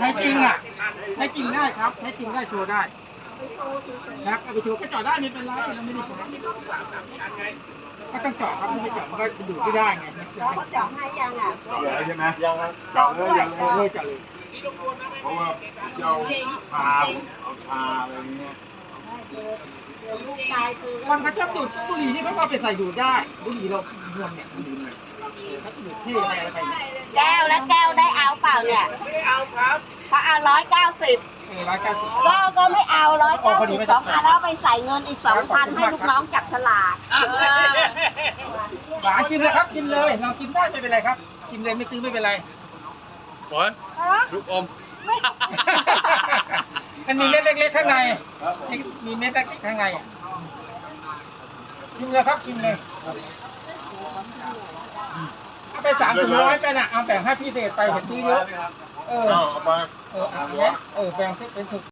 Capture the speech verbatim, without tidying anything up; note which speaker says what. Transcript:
Speaker 1: ช้จริงอ่ะใช้จริงได้ครับใช้จริงได้โชว์ได้ครับเอาไปโชว์ก็จอดได้ไม่เป็นไรเราไม่ได้ใช้ก็ต้องจอดครับไม่จอดมันก็ดูไม่ได้ไง
Speaker 2: เขาเจาะให้ยังอ่ะ
Speaker 3: เจาะเลยใช่ไหมยังครับ
Speaker 2: เจาะด้วย
Speaker 1: เออจอดเลย
Speaker 3: เพราะว่าเจ้าชาเอาชาอะไรเงี้ย
Speaker 2: ลูกชายคือ
Speaker 1: คนเขาชอบดูดบุหรี่นี่เขาก็ไปใส่ดูดได้บุหรี่เรารวมเนี่ยเขาดูดเท่อะไรอะไร
Speaker 2: แก้วแล้วแก้วได้เอาเปล่าเนี่ยไม่เอาครับเขาเอาร้อยเก้าสิบ
Speaker 1: เออร้อยเก้าสิบ
Speaker 2: ก็ก็ไม่เอาร้อยเก้าสิบสองพันแล้วไปใส่เงินอีกสองพันให้ลูกน้องจับฉลาก
Speaker 1: หวานชิมเลยครับชิมเลยลองชิมได้ไม่เป็นไรครับชิมเลยไม่ซื้อไม่เป็นไร
Speaker 4: ฝนลูกอม
Speaker 1: มันมีเม็ดเล็กๆข้างในมีเม็ดเล็กๆข้างในชิมเลยครับชิมเลยเอาไปสามถึงร้อยไปน่ะเอาแบ่งให้พี่เศษไปเห็นซื้อเยอะเออ
Speaker 3: เอาไป
Speaker 1: เออเอาเนี้ยเออแบ่งเป็นถุง